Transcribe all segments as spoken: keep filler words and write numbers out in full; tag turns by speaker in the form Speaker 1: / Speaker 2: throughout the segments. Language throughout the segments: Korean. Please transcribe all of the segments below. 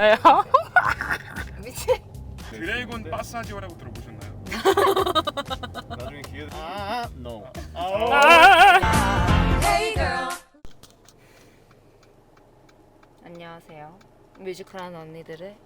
Speaker 1: 저요?
Speaker 2: 미친.
Speaker 3: 드래곤 마사지오라고 들어보셨나요?
Speaker 4: 나중에 기회. 아, no.
Speaker 2: 안녕하세요. 뮤지컬하는 언니들의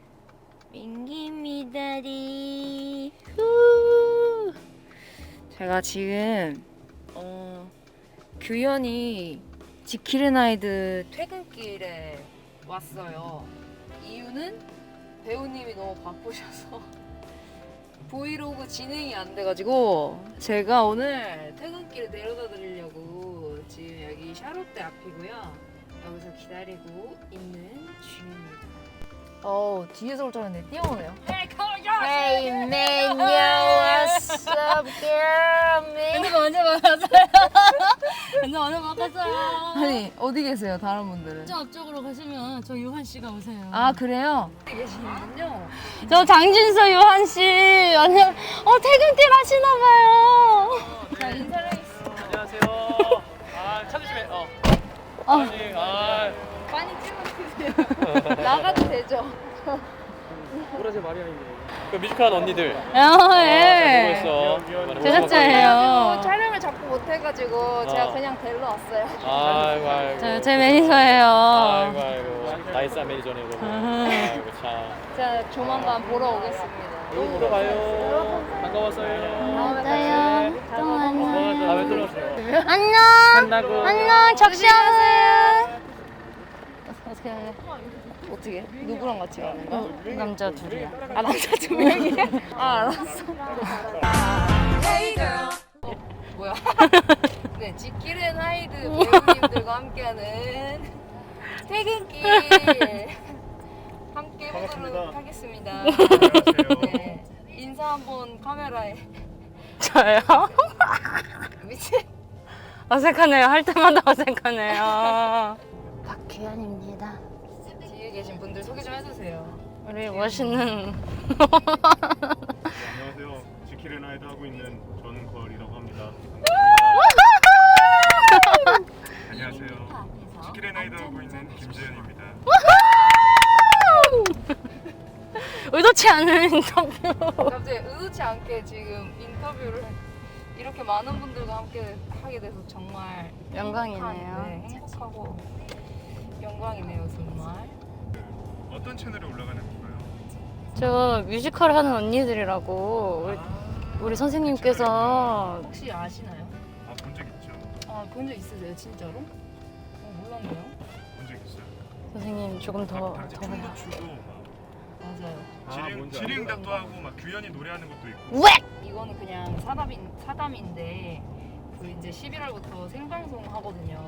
Speaker 2: 민기미다리. 후. 제가 지금 어, 규현이 지킬앤하이드 퇴근길에 왔어요. 이유는 배우님이 너무 바쁘셔서 브이로그 진행이 안 돼가지고 제가 오늘 퇴근길에 내려다 드리려고 지금 여기 샤롯대 앞이고요. 여기서 기다리고 있는 중입니다. 어 뒤에서 올 줄 알았는데 뛰어오네요. Hey man, yo, what's up, girl, man?
Speaker 1: 근데 언제 만났어요? 근데 언제 만났어요?
Speaker 2: 아니 어디 계세요, 다른 분들은?
Speaker 1: 저 앞쪽으로 가시면 저 유한 씨가 오세요.
Speaker 2: 아 그래요? 어디 계시는군요.
Speaker 1: 저 장진서 유한 씨. 안녕. 어 퇴근길 하시나 봐요.
Speaker 2: 자 인사를 해주세요.
Speaker 4: 안녕하세요. 아, 찾으시면 어.
Speaker 1: 어.
Speaker 4: 아니, 아.
Speaker 2: 많이 찍어주세요. 나가도 되죠?
Speaker 4: 오라제 마리아입니다. 그 뮤지컬 언니들.
Speaker 1: 어, 예.
Speaker 4: 수고했어.
Speaker 1: 제작자예요.
Speaker 2: 촬영을 자꾸 못해가지고 제가 그냥 데리러 왔어요.
Speaker 4: 아이고 아이고.
Speaker 1: 저, 제 매니저예요.
Speaker 4: 아이고 아이고. 나이스한 매니저네 그러면. 아이고 참.
Speaker 2: 제가 조만간 보러 오겠습니다.
Speaker 4: 여기 보러 가요. 반가웠어요.
Speaker 1: 맞아요. 또
Speaker 4: 다음에
Speaker 1: 만나요.
Speaker 4: 또 오세요.
Speaker 1: 안녕.
Speaker 4: 끝나고.
Speaker 1: 안녕. 적시하세요.
Speaker 2: 어떻게 해? 어떻게? 누구랑 같이 가는 거야?
Speaker 1: 남자 둘이야.
Speaker 2: 아 남자 두 명이야? 아 알았어. 어, 뭐야? 네, 지킬앤하이드 배우님들과 함께하는 퇴근길 함께 해보도록 하겠습니다. 네, 인사 한번 카메라에.
Speaker 1: 저요?
Speaker 2: 미친.
Speaker 1: 어색하네요. 할 때마다 어색하네요. 박규현입니다.
Speaker 2: 뒤에 계신 분들 소개 좀 해주세요.
Speaker 1: 우리 멋있는
Speaker 4: 안녕하세요. 지킬앤하이드 하고 있는 전걸이라고 합니다.
Speaker 3: 안녕하세요. 지킬앤하이드 하고 있는 김재현입니다.
Speaker 1: 의도치 않은 인터뷰.
Speaker 2: 갑자기 의도치 않게 지금 인터뷰를 이렇게 많은 분들과 함께 하게 돼서 정말
Speaker 1: 영광이네요.
Speaker 2: 행복한, 네, 행복하고 영광이네요 정말.
Speaker 3: 어떤 채널에 올라가는 건가요?
Speaker 1: 저 뮤지컬 하는 언니들이라고 우리, 우리 선생님께서
Speaker 2: 혹시 아시나요?
Speaker 3: 아, 본 적 있죠.
Speaker 2: 아 본 적 있으세요 진짜로? 어 몰랐네요.
Speaker 3: 본 적 있어요.
Speaker 1: 선생님 조금 더
Speaker 3: 다 같이
Speaker 1: 더
Speaker 3: 춤도 추고 막
Speaker 2: 맞아요.
Speaker 4: 아,
Speaker 3: 지령
Speaker 4: 뭔지
Speaker 3: 지령답도 하고 막 규현이 노래하는 것도 있고.
Speaker 1: 왜?
Speaker 2: 이거는 그냥 사담인 사담인데 그 이제 십일월부터 생방송 하거든요.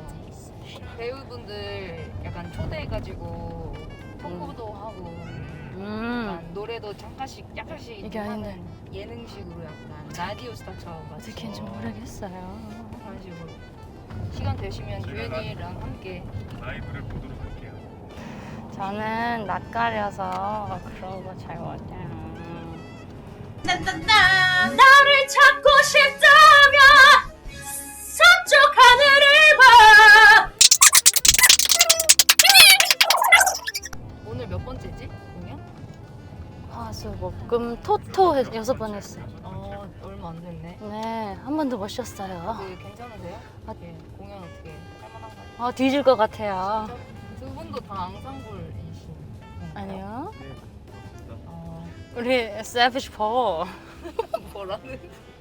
Speaker 2: 배우분들 약간 초대해가지고 통보도 하고
Speaker 1: 음
Speaker 2: 약간 노래도 잠깐씩 약간씩
Speaker 1: 이게
Speaker 2: 하는
Speaker 1: 아닌데.
Speaker 2: 예능식으로 약간 라디오 스타처럼 같이
Speaker 1: 어떻게인지 모르겠어요.
Speaker 2: 그런 식으로 시간 되시면
Speaker 3: 제가
Speaker 2: 규현이랑 함께.
Speaker 3: 라이브를 보도록 할게요.
Speaker 1: 저는 낯가려서 그런 거 잘 못해요.
Speaker 5: 나를 찾고 싶다면 서쪽 하늘을 봐.
Speaker 2: 오늘 몇 번째지? 공연?
Speaker 1: 화수목금 토토 해- 여섯 번 했어요.
Speaker 2: 어 얼마 안 됐네.
Speaker 1: 네, 한 번도 못 쉬었어요.
Speaker 2: 그 괜찮으세요?
Speaker 1: 아.
Speaker 2: 예, 공연 어떻게 할만한가요?
Speaker 1: 아 뒤질 것 같아요.
Speaker 2: 두 분도 다 앙상블이신
Speaker 1: 아니요.
Speaker 2: 어,
Speaker 1: 우리 세비지 폴,
Speaker 2: 뭐라는?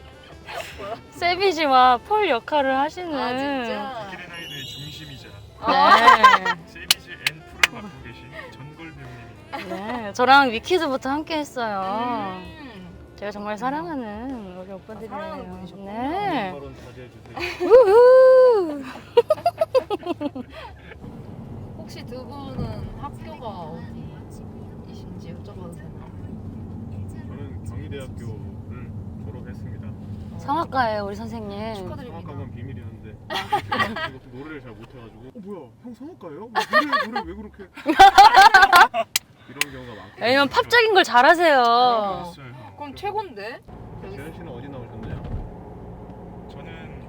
Speaker 1: 세비지와 폴 역할을 하시는.
Speaker 2: 아 진짜?
Speaker 3: 지킬앤하이드의 중심이자
Speaker 1: 네.
Speaker 3: 세비지 앤 풀을 맡고 계신 전걸 배우님입니다.
Speaker 1: 네, 저랑 위키즈부터 함께 했어요.
Speaker 2: 음.
Speaker 1: 제가 정말 사랑하는 우리
Speaker 2: 아, 사랑하는
Speaker 1: 오빠들이에요.
Speaker 2: 분이셨구나.
Speaker 1: 네.
Speaker 4: 발언 자제해 주세요.
Speaker 1: 우후.
Speaker 2: 혹시 두 분은 학교가 어디이신지 여쭤봐도 되나요?
Speaker 4: 저는 경희대학교를 졸업했습니다.
Speaker 1: 성악가예요, 우리 선생님.
Speaker 2: 축하드립니다.
Speaker 4: 성악가건 비밀이었는데 이것도 노래를 잘 못해가지고 어 뭐야 형 성악가예요? 뭐 노래 노래 왜 그렇게 이런 경우가 많고.
Speaker 1: 왜냐면 팝적인 걸 잘하세요.
Speaker 3: 알았어요.
Speaker 2: 그럼 최고인데?
Speaker 4: 재현 씨는 어디 나오셨나요?
Speaker 3: 저는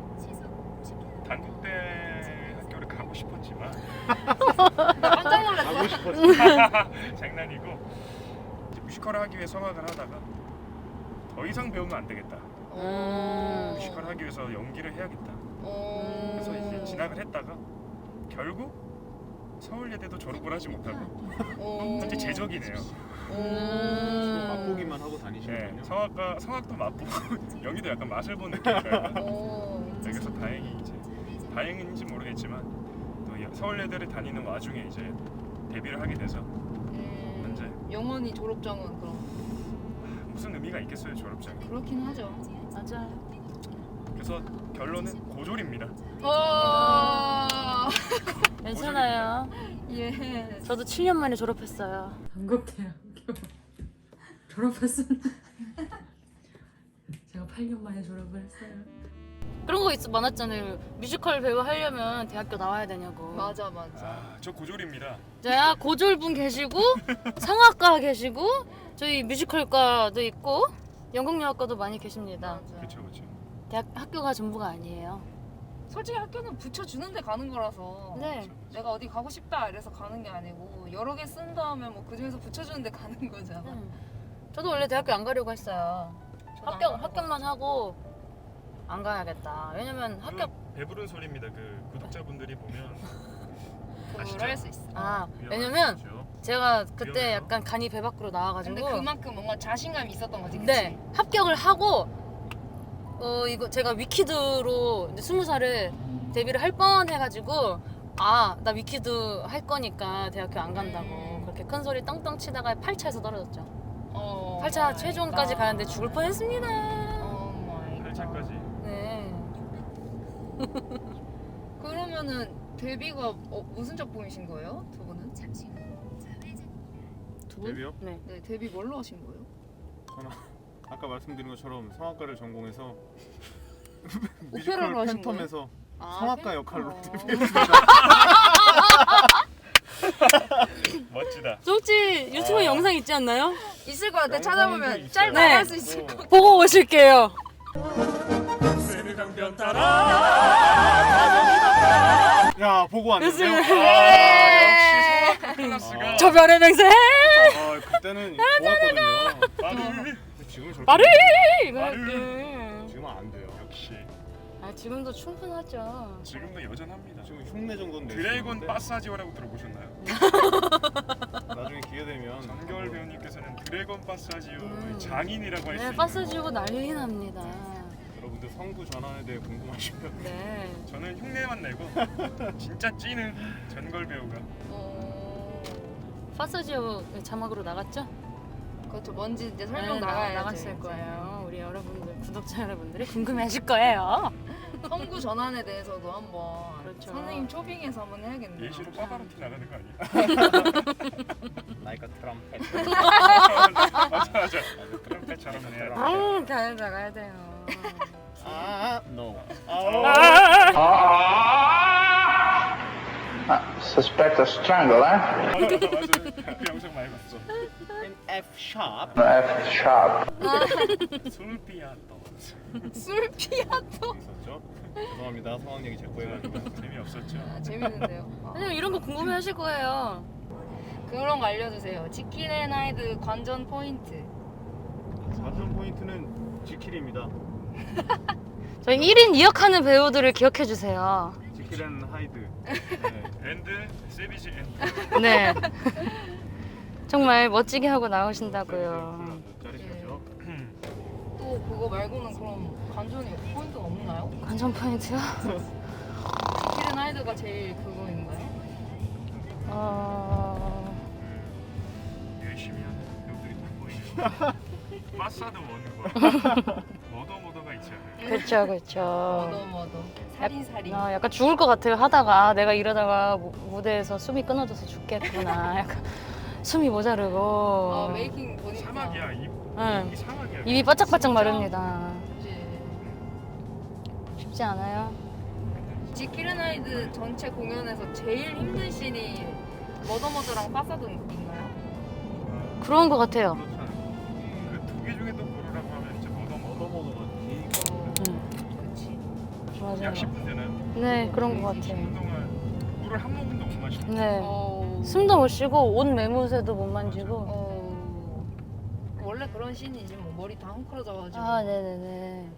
Speaker 3: 단국대 학교를 가고 싶었지만
Speaker 2: 나 깜짝 놀랐어.
Speaker 4: 가고 싶어지.
Speaker 3: 장난이고 이제 뮤지컬을 하기 위해 성악을 하다가 더 이상 배우면 안 되겠다.
Speaker 1: 음.
Speaker 3: 뮤지컬 하기 위해서 연기를 해야겠다.
Speaker 2: 어.
Speaker 3: 그래서 이제 진학을 했다가 결국 서울예대도 졸업을 하지 못하고
Speaker 2: 어.
Speaker 3: 현재 재적이네요.
Speaker 2: 음.
Speaker 4: 맛보기만 하고
Speaker 3: 네,
Speaker 4: 다니시는군요.
Speaker 3: 성악가 성악도 맛보고 연기도 약간 맛을 본 느낌이랄까.
Speaker 2: 어.
Speaker 3: 그래서 다행히 이제 다행인지 모르겠지만 또 여- 서울예대를 다니는 와중에 이제 데뷔를 하게 돼서
Speaker 2: 음.
Speaker 3: 현재
Speaker 2: 영원히 졸업장은 그럼
Speaker 3: 무슨 의미가 있겠어요 졸업장이.
Speaker 2: 그렇긴 하죠.
Speaker 1: 맞아요.
Speaker 3: 그래서 결론은 고졸입니다.
Speaker 2: 어.
Speaker 1: 괜찮아요.
Speaker 2: 예.
Speaker 1: 저도 칠 년 만에 졸업했어요.
Speaker 6: 한국대학교 졸업했습니다. 제가 팔 년 만에 졸업을 했어요.
Speaker 1: 그런 거 있어 많았잖아요. 뮤지컬 배우 하려면 대학교 나와야 되냐고.
Speaker 2: 맞아 맞아.
Speaker 3: 아, 저 고졸입니다.
Speaker 1: 자, 고졸분 계시고 성악과 계시고 저희 뮤지컬과도 있고 연극영화과도 많이 계십니다.
Speaker 2: 맞아.
Speaker 3: 그렇죠, 그렇죠.
Speaker 1: 대학 학교가 전부가 아니에요.
Speaker 2: 솔직히 학교는 붙여주는데 가는 거라서
Speaker 1: 네.
Speaker 2: 내가 어디 가고 싶다 이래서 가는 게 아니고 여러 개 쓴 다음에 뭐 그중에서 붙여주는데 가는 거잖아.
Speaker 1: 음. 저도 원래 대학교 안 가려고 했어요.
Speaker 2: 저도 안
Speaker 1: 합격
Speaker 2: 가려고
Speaker 1: 합격만 하고 안 가야겠다. 왜냐면 합격
Speaker 3: 그건 배부른 소리입니다. 그 구독자분들이 보면 아시죠?
Speaker 2: 그럴 수 있어.
Speaker 1: 아
Speaker 3: 위험한
Speaker 1: 왜냐면
Speaker 3: 거죠.
Speaker 1: 제가 그때
Speaker 3: 위험해요.
Speaker 1: 약간 간이 배 밖으로 나와가지고
Speaker 2: 근데 그만큼 뭔가 자신감이 있었던 거지. 그치?
Speaker 1: 네 합격을 하고 어 이거 제가 위키드로 이제 스무 살에 데뷔를 할 뻔 해가지고 아 나 위키드 할 거니까 대학교 안 간다고
Speaker 2: 음.
Speaker 1: 그렇게 큰 소리 떵떵 치다가 팔 차에서 떨어졌죠.
Speaker 2: 어,
Speaker 1: 팔 차
Speaker 2: 마이
Speaker 1: 최종까지
Speaker 2: 갓.
Speaker 1: 가는데 죽을 뻔했습니다.
Speaker 2: 오 마이
Speaker 3: 팔 차까지.
Speaker 1: 네.
Speaker 2: 갓. 그러면은 데뷔가 어, 무슨 작품이신 거예요? 두 분은?
Speaker 1: 두 분?
Speaker 4: 데뷔요?
Speaker 1: 네.
Speaker 2: 네 데뷔 뭘로 하신 거예요?
Speaker 4: 저는 아까 말씀드린 것처럼 성악가를 전공해서
Speaker 2: 오페라로 하신
Speaker 4: 팬텀에서
Speaker 2: 아,
Speaker 4: 성악가
Speaker 2: 팬-
Speaker 4: 역할로
Speaker 2: 어.
Speaker 4: 데뷔했습니다.
Speaker 3: 멋지다.
Speaker 1: 저 혹시 유튜브
Speaker 3: 아.
Speaker 1: 영상 있지 않나요?
Speaker 2: 있을 것 같아.
Speaker 4: 영상도
Speaker 2: 찾아보면
Speaker 4: 있어요.
Speaker 2: 짧게
Speaker 1: 네.
Speaker 2: 할 수 있을 것 같아.
Speaker 1: 보고 오실게요.
Speaker 4: 야 보고 왔는데요.
Speaker 3: 아, 역시 성악 클래스가
Speaker 1: 저 별의 맹세
Speaker 4: 아 그때는 좋았거든요.
Speaker 3: 빠르.
Speaker 4: 지금은 저렇게
Speaker 1: 말을 이거
Speaker 3: 말을.
Speaker 1: 할게.
Speaker 4: 지금은 안 돼요.
Speaker 3: 역시
Speaker 1: 아 지금도 충분하죠.
Speaker 3: 지금도 여전합니다.
Speaker 4: 지금 흉내 정도는 낼 수
Speaker 3: 드래곤
Speaker 4: 있는데
Speaker 3: 파사지오라고 들어보셨나요?
Speaker 4: 나중에 기회 되면
Speaker 3: 전결 배우님께서는 드래곤 파사지오의
Speaker 1: 음.
Speaker 3: 장인이라고 할 수
Speaker 1: 네,
Speaker 3: 있는.
Speaker 1: 파스 지고 난리 납니다.
Speaker 4: 여러분들 성구 전환에 대해 궁금하시면
Speaker 1: 네.
Speaker 3: 저는 흉내만 내고 진짜 찌는 전걸 배우가.
Speaker 2: 어...
Speaker 1: 파스 지오 자막으로 나갔죠?
Speaker 2: 그렇죠. 뭔지 이제 설명
Speaker 1: 네, 나-
Speaker 2: 나가야지.
Speaker 1: 나갔을 거예요. 우리 여러분들 구독자 여러분들이 궁금해하실 거예요.
Speaker 2: 성구 전환에 대해서도 한번
Speaker 1: 그렇죠.
Speaker 2: 선생님 초빙해서 한번 해야겠네요.
Speaker 3: 예시로 빠바로티 나가는 거 아니야?
Speaker 4: 나이가 트럼펫.
Speaker 3: 맞아 맞아. 트럼펫처럼 해야 돼.
Speaker 1: 아, 잘 나가야 돼요.
Speaker 4: 아 no.
Speaker 7: Suspect a strangle, eh?
Speaker 3: 맞아 맞아. 그 영상 많이 봤어.
Speaker 4: In F sharp.
Speaker 7: F sharp.
Speaker 3: 술피아또.
Speaker 2: 술 피아토.
Speaker 4: 있었죠. 죄송합니다. 성악 얘기 제거 해가지고.
Speaker 3: 재미없었죠.
Speaker 2: 아, 재밌는데요. 아,
Speaker 1: 아니 이런 거 궁금해하실 거예요.
Speaker 2: 그런 거 알려주세요. 지킬 앤 하이드 관전 포인트.
Speaker 4: 관전 포인트는 지킬입니다.
Speaker 1: 저희 일 인 이 역 하는 배우들을 기억해 주세요.
Speaker 4: 지킬 앤 하이드. 네.
Speaker 3: 앤드 세비지 앤드.
Speaker 1: 네. 정말 멋지게 하고 나오신다고요.
Speaker 4: 짜릿하죠.
Speaker 2: 또 그거 말고는 그럼 관전이 포인트가 없나요?
Speaker 1: 관전 포인트요?
Speaker 2: 지킬 앤 하이드가 제일 그거인가요?
Speaker 1: 어...
Speaker 3: 열심히 하는 배우들이 다 보이는. 마사도 오는 거. 머더 머더가 있지 않아요?
Speaker 1: 그렇죠, 그렇죠.
Speaker 2: 머더 머더. 살인살인.
Speaker 1: 아, 약간 죽을 것 같아요. 하다가 내가 이러다가 무- 무대에서 숨이 끊어져서 죽겠구나. 약간 숨이 모자르고.
Speaker 2: 아 메이킹 보니까.
Speaker 3: 사막이야 이,
Speaker 1: 응.
Speaker 3: 이 사막이야.
Speaker 1: 입이 바짝바짝
Speaker 2: 진짜?
Speaker 1: 마릅니다.
Speaker 2: 그치.
Speaker 1: 쉽지 않아요.
Speaker 2: 지킬 앤 하이드 전체 공연에서 제일 힘든 씬이 머더머더랑 파사드인가요?
Speaker 1: 그런 것 같아요.
Speaker 3: 그렇지 않아요? 그두 개 중에 또 고르라고 하면 진짜 머더 머더.
Speaker 4: 머더머더가 기.
Speaker 2: 어,
Speaker 1: 응,
Speaker 2: 그치.
Speaker 1: 맞아요.
Speaker 3: 약 십 분 되나요?
Speaker 1: 네, 그런 것
Speaker 3: 십 분
Speaker 1: 같아요.
Speaker 3: 동안 물을 한 모금도 못 마시고.
Speaker 1: 네.
Speaker 2: 어, 어.
Speaker 1: 숨도 못 쉬고 옷 매무새도 못 만지고.
Speaker 2: 어. 원래 그런 씬이지 뭐 머리 다 헝클어져가지고.
Speaker 1: 아 네네네.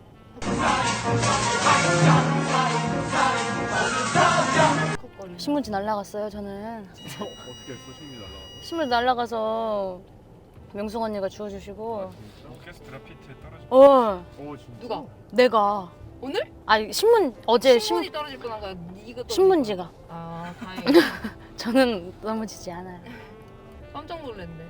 Speaker 2: 컷거리고.
Speaker 1: 신문지 날라갔어요 저는.
Speaker 4: 어떻게 했어? 신문이 날라가서?
Speaker 1: 신문지 날라가서 명숙 언니가 주워주시고.
Speaker 4: 아 진짜?
Speaker 3: 오케스트라 피트에 떨어져.
Speaker 1: 어
Speaker 4: 어 진짜?
Speaker 2: 누가?
Speaker 1: 내가
Speaker 2: 오늘?
Speaker 1: 아니 신문 어제 신
Speaker 2: 신문이 떨어질 뻔한 거야. 이거 떨어질
Speaker 1: 신문지가.
Speaker 2: 뻔. 아 다행이다.
Speaker 1: 저는 넘어지지 않아요.
Speaker 2: 깜짝 놀랐네.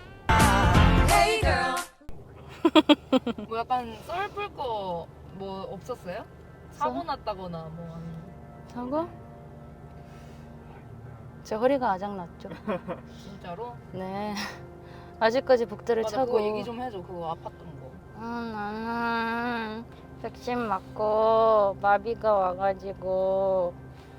Speaker 2: 뭐 약간 썰풀 거 뭐 없었어요? 사고 났다거나 뭐 아니면
Speaker 1: 사고? 제 허리가 아작났죠.
Speaker 2: 진짜로?
Speaker 1: 네. 아직까지 복대를
Speaker 2: 맞아,
Speaker 1: 차고.
Speaker 2: 그거 얘기 좀 해줘. 그거 아팠던 거.
Speaker 1: 음, 나는 백신 맞고 마비가 와가지고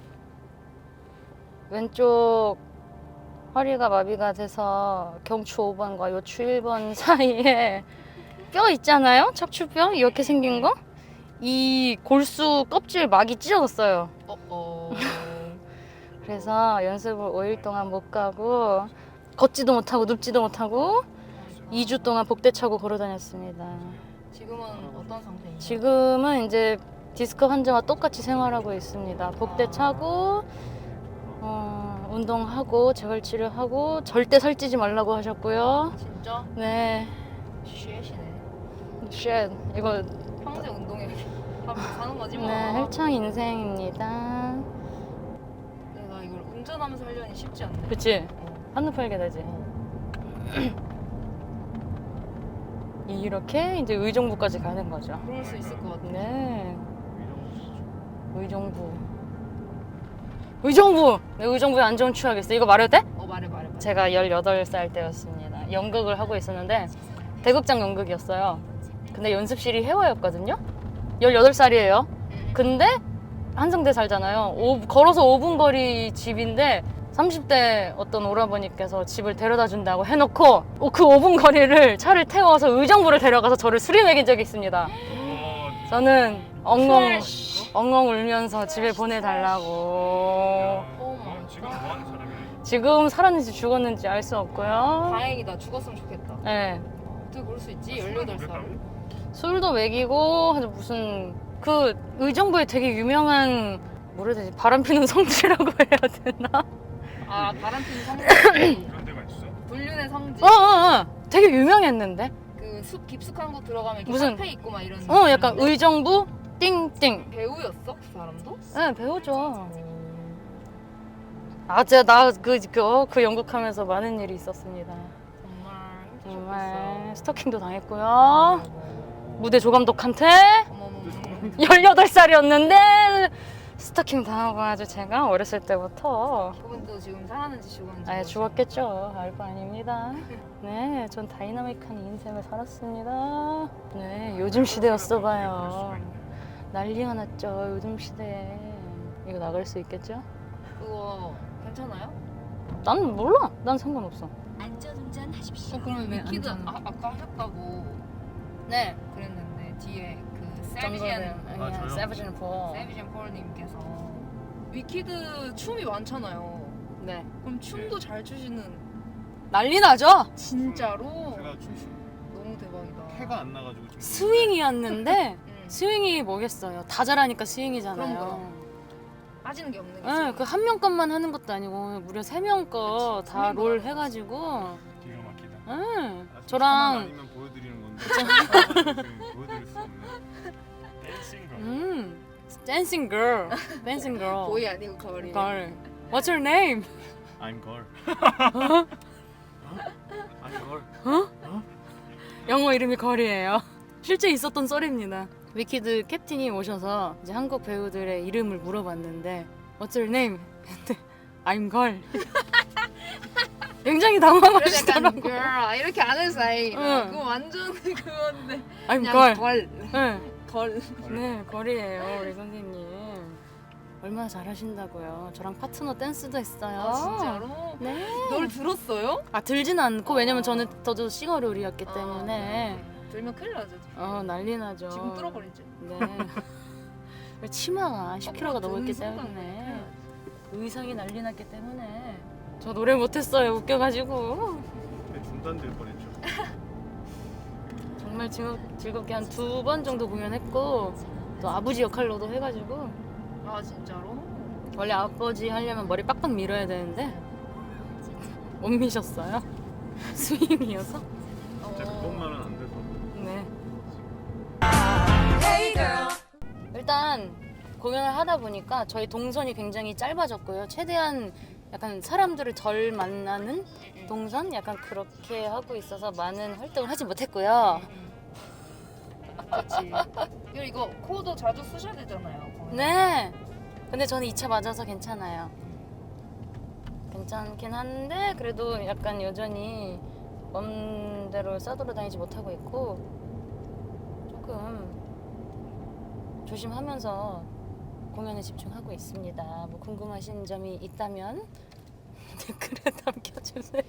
Speaker 1: 왼쪽 허리가 마비가 돼서 경추 오 번과 요추 일 번 사이에 뼈 있잖아요? 척추뼈 이렇게 생긴 거? 이 골수 껍질 막이 찢어졌어요.
Speaker 2: 어 어.
Speaker 1: 그래서 연습을 오 일 동안 못 가고 걷지도 못하고 눕지도 못하고 이 주 동안 복대 차고 걸어 다녔습니다.
Speaker 2: 지금은 어떤 상태인가요?
Speaker 1: 지금은 이제 디스크 환자와 똑같이 생활하고 있습니다. 복대 차고 어, 운동하고 재활치료하고 절대 살찌지 말라고 하셨고요.
Speaker 2: 진짜?
Speaker 1: 네,
Speaker 2: 쉣이네.
Speaker 1: 쉣 이거
Speaker 2: 평생 운동해 하면서 사는 거지 뭐.
Speaker 1: 네 헬창 인생입니다.
Speaker 2: 내가 이걸 운전하면서 하려니 쉽지 않네.
Speaker 1: 그치?
Speaker 2: 어.
Speaker 1: 한눈 팔게 되지.
Speaker 2: 어.
Speaker 1: 이렇게 이제 의정부까지 가는 거죠.
Speaker 2: 그럴 수 있을 것 같아.
Speaker 1: 네, 의정부. 의정부! 네, 의정부에 안 좋은 추억이 있어. 이거 말해도 돼?
Speaker 2: 어 말해 말해 말해.
Speaker 1: 제가 열여덟 살 때였습니다. 연극을 하고 있었는데 대극장 연극이었어요. 근데 연습실이 해화였거든요. 열여덟 살이에요. 근데 한성대 살잖아요. 오, 걸어서 오 분 거리 집인데 삼십 대 어떤 오라버니께서 집을 데려다 준다고 해놓고 그 오 분 거리를 차를 태워서 의정부를 데려가서 저를 수리 먹인 적이 있습니다.
Speaker 3: 어,
Speaker 1: 저는 엉엉 엉엉 울면서 집에 보내달라고.
Speaker 2: 오 마이
Speaker 3: 넌 지금 뭐 하는 사람이야?
Speaker 1: 지금 살았는지 죽었는지 알 수 없고요.
Speaker 2: 다행이다. 죽었으면 좋겠다.
Speaker 1: 네.
Speaker 2: 어떻게 그럴 수 있지? 열여덟 살.
Speaker 1: 술도 먹이고 아주 무슨 그 의정부에 되게 유명한 뭐라 해야 되지? 바람 피는 성지라고 해야 되나?
Speaker 2: 아 바람피는 성지.
Speaker 3: 그런 데가 있어?
Speaker 2: 불륜의 성지.
Speaker 1: 어어어 되게 유명했는데?
Speaker 2: 그 숲 깊숙한 곳 들어가면 이렇게
Speaker 1: 무슨-
Speaker 2: 카페 있고 막 이런.
Speaker 1: 어 약간
Speaker 2: 느낌인데?
Speaker 1: 의정부 띵띵.
Speaker 2: 배우였어? 그 사람도?
Speaker 1: 네 배우죠. 아 제가 나그 그, 그 연극하면서 많은 일이 있었습니다.
Speaker 2: 정말
Speaker 1: 정말
Speaker 2: 힘드셨겠어.
Speaker 1: 스토킹도 당했고요.
Speaker 2: 어머,
Speaker 1: 무대 조감독한테
Speaker 2: 어머, 어머.
Speaker 1: 열여덟 살이었는데 스토킹 당하고 아주 제가 어렸을 때부터
Speaker 2: 그분도 지금 살았는지 죽었는지.
Speaker 1: 아예
Speaker 2: 모르겠어요.
Speaker 1: 죽었겠죠. 알바 아닙니다. 네, 전 다이나믹한 인생을 살았습니다. 네, 요즘 시대였어 봐요. 난리가 났죠. 요즘 시대에. 이거 나갈 수 있겠죠?
Speaker 2: 그거 괜찮아요?
Speaker 1: 난 몰라. 난 상관없어.
Speaker 5: 안전운전 하십시오.
Speaker 2: 어, 그럼
Speaker 1: 왜
Speaker 2: 위키드
Speaker 1: 안
Speaker 2: 아, 아까 하셨다고
Speaker 1: 네.
Speaker 2: 그랬는데 뒤에 그
Speaker 1: 정거는
Speaker 2: 세비젠
Speaker 4: 아, 저요?
Speaker 1: 세브진 포.
Speaker 2: 세비젠 폴님께서 위키드 춤이 많잖아요.
Speaker 1: 네.
Speaker 2: 그럼 춤도 잘 추시는
Speaker 1: 난리 나죠?
Speaker 2: 진짜로
Speaker 4: 제가 춤
Speaker 2: 너무 대박이다.
Speaker 4: 해가 안 나가지고 좀
Speaker 1: 스윙이었는데
Speaker 2: 응.
Speaker 1: 스윙이 뭐겠어요? 다 잘하니까 스윙이잖아요.
Speaker 2: 그럼, 그럼. 빠지는 게 없는 게
Speaker 1: 네,
Speaker 2: 지금.
Speaker 1: 그 한 명 것만 하는 것도 아니고 무려 세 명 거
Speaker 2: 그치,
Speaker 1: 다
Speaker 2: 세 명거
Speaker 1: 롤
Speaker 2: 하는
Speaker 1: 해가지고
Speaker 3: 기가 막히다.
Speaker 1: 응.
Speaker 4: 아직
Speaker 1: 저랑
Speaker 4: 아니면 보여드리는 건데 지금 보여드릴 수 없는.
Speaker 3: 댄싱 거.
Speaker 1: 음 댄싱 걸 댄싱 걸
Speaker 2: 보이 아니고 거리.
Speaker 1: 걸 What's your name?
Speaker 4: I'm girl. 어? I'm girl.
Speaker 1: 영어 이름이 걸이에요. 실제 있었던 썰입니다. 위키드 캡틴이 오셔서 이제 한국 배우들의 이름을 물어봤는데 What's your name? 근데 I'm 걸. 굉장히
Speaker 2: 그래서 약간
Speaker 1: 당황하시더라고.
Speaker 2: girl 이렇게 아는 사이.
Speaker 1: 응.
Speaker 2: 그거 완전 그건데.
Speaker 1: I'm
Speaker 2: 그냥
Speaker 1: 걸.
Speaker 2: 걸.
Speaker 1: 네.
Speaker 2: 걸.
Speaker 1: 네, 걸이에요, 우리 선생님. 얼마나 잘하신다고요. 저랑 파트너 댄스도 했어요.
Speaker 2: 아 진짜로?
Speaker 1: 네.
Speaker 2: 널 들었어요?
Speaker 1: 아 들진 않고 왜냐면 저는 저도 싱어롤이었기
Speaker 2: 아,
Speaker 1: 때문에
Speaker 2: 네. 들면 큰일 나죠.
Speaker 1: 어 난리 나죠.
Speaker 2: 지금 뚫어버리지.
Speaker 1: 네. 치마가 십 킬로그램가
Speaker 2: 어,
Speaker 1: 넘었기
Speaker 2: 듣는 순간
Speaker 1: 때문에
Speaker 2: 그냥
Speaker 1: 의상이 난리 났기 때문에 저 노래 못했어요. 웃겨가지고.
Speaker 4: 네, 중단될 뻔했죠.
Speaker 1: 정말 즐겁, 즐겁게 한 두 번 정도 공연했고 또 아버지 역할로도 해가지고
Speaker 2: 아 진짜로?
Speaker 1: 원래 아버지 하려면 머리 빡빡 밀어야 되는데 못 미셨어요. 스윙이어서.
Speaker 4: 진짜 그것만은 안 돼서.
Speaker 1: 네. 일단 공연을 하다 보니까 저희 동선이 굉장히 짧아졌고요. 최대한 약간 사람들을 덜 만나는 동선? 약간 그렇게 하고 있어서 많은 활동을 하지 못했고요.
Speaker 2: 그렇지. 그리고 이거 코도 자주 쓰셔야 되잖아요.
Speaker 1: 네. 근데 저는 이 차 맞아서 괜찮아요. 괜찮긴 한데 그래도 약간 여전히 맘대로 싸돌아다니지 못하고 있고 조금 조심하면서 공연에 집중하고 있습니다. 뭐 궁금하신 점이 있다면 댓글에 남겨주세요.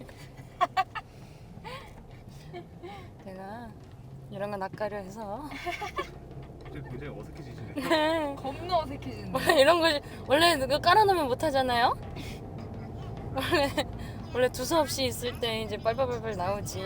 Speaker 1: 제가 이런 거 낯가려 해서
Speaker 4: 이제 굉장히 어색해지시네.
Speaker 1: 네.
Speaker 2: 겁나 어색해진다.
Speaker 1: 원래 이런 거 원래 누가 깔아놓으면 못 하잖아요. 원래 원래 두서없이 있을 때 이제 빨빨빨빨 나오지.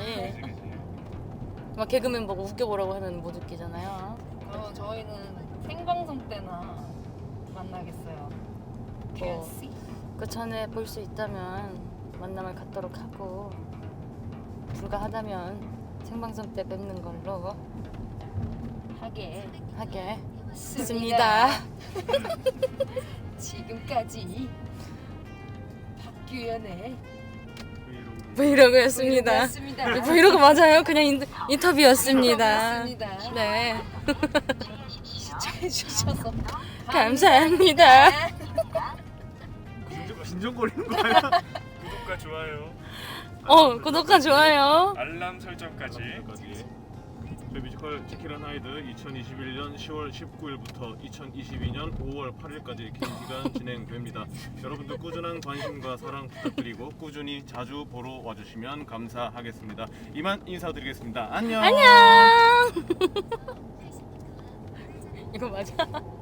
Speaker 1: 막 개그맨 보고 웃겨보라고 하면 못 웃기잖아요.
Speaker 2: 그럼 저희는 생방송 때나 만나겠어요.
Speaker 1: 뭐, 그 전에 볼 수 있다면 만남을 갖도록 하고 불가하다면 생방송 때 뵙는 걸로
Speaker 2: 하게
Speaker 1: 하겠습니다.
Speaker 2: 지금까지 박규현의
Speaker 1: 브이로그였습니다.
Speaker 2: 였습니다.
Speaker 1: 브이로그 맞아요. 그냥 인, 인터뷰였습니다.
Speaker 2: 였습니다.
Speaker 1: 네.
Speaker 2: 시청해주셔서
Speaker 1: 감사합니다.
Speaker 4: 진정, 진정거리는 거 아니야?
Speaker 3: 구독과 좋아요,
Speaker 1: 어, 구독과 좋아요.
Speaker 3: 알람 설정까지.
Speaker 4: 여기까지. 저희 뮤지컬 지킬한 하이드 이천이십일 년 시월 십구일부터 이천이십이 년 오월 팔일까지 긴 기간 진행됩니다. 여러분들 꾸준한 관심과 사랑 부탁드리고 꾸준히 자주 보러 와주시면 감사하겠습니다. 이만 인사드리겠습니다. 안녕.
Speaker 1: 안녕. 이거 맞아?